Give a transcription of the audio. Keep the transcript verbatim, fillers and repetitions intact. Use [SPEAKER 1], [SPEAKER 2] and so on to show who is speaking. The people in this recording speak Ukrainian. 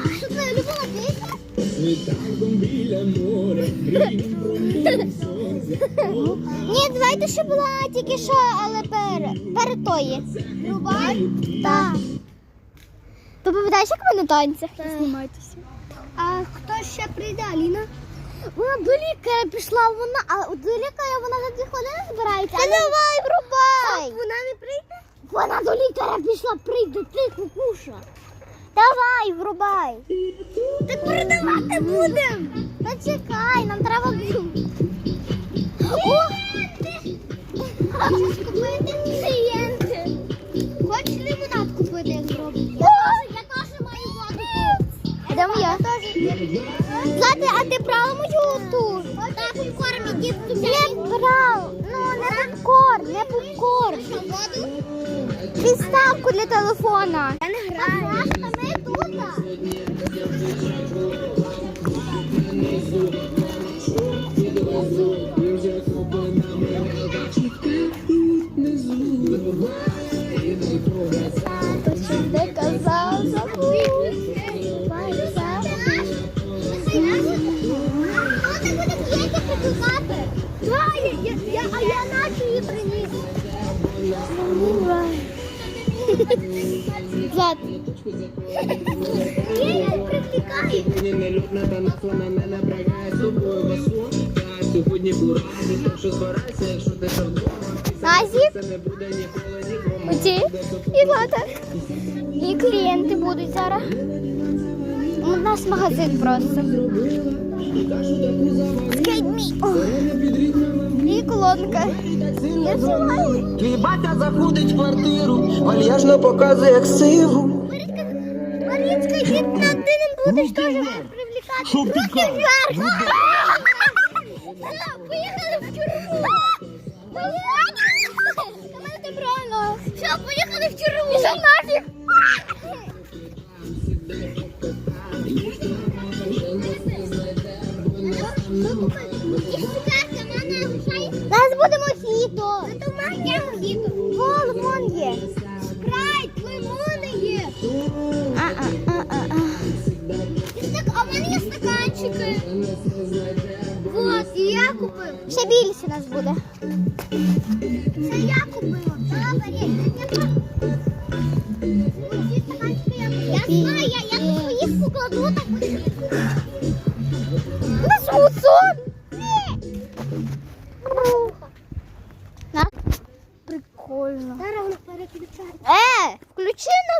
[SPEAKER 1] Що твоя любила пісня? Ні, давайте ще була тільки що, але перед, перед тої. Рубай? Так. Ти пам'ятаєш, як ми на танцях?
[SPEAKER 2] Знімайтеся.
[SPEAKER 1] А хто ще прийде, Аліна? Вона до лікаря пішла, вона, а до лікаря вона за дві хвилини збирається. Та давай, врубай! Вона не прийде? Вона до лікаря пішла, прийде, ти кукуша. Давай, врубай. Так передавати будемо. Та чекай, нам треба... О! Хочеш купити клієнти? Хочеш лимонад купити, як зробити? Я теж маю воду. Йдемо я. Злати, а ти брала мою ту? Так, попкорн, іди в ту. Не брав. Ну, не попкорн, не попкорн. Що, воду? Підставку для телефона. Я не граю. А ми тут. Ти казав, забув. А я наче її приніс. Влад. Я її привлікаю. Назік. Оці. І Влада. І клієнти будуть зараз. У нас магазин просто. Скейт мій. І колонка. Я знімаю.
[SPEAKER 3] Твій батя заходить в квартиру, вальяжно показує як сиву.
[SPEAKER 1] Марічка, ти над ним будеш теж привлікати. Руки вверх. Поїхали в тюрму. Команда правильно. Все, поїхали в тюрму. Що нафіг? Зараз буде мохіто. Це в мене є мохіто. О, лимон є. Спрайт, лимони є. А-а-а-а-а. А в мене є стаканчики. Вот, і я купив. Ще більше нас буде. Це я купила. Я знаю, я своїх покладу, так буде. У нас мусон. Прикольно. Зараз вона переключає. Е, включи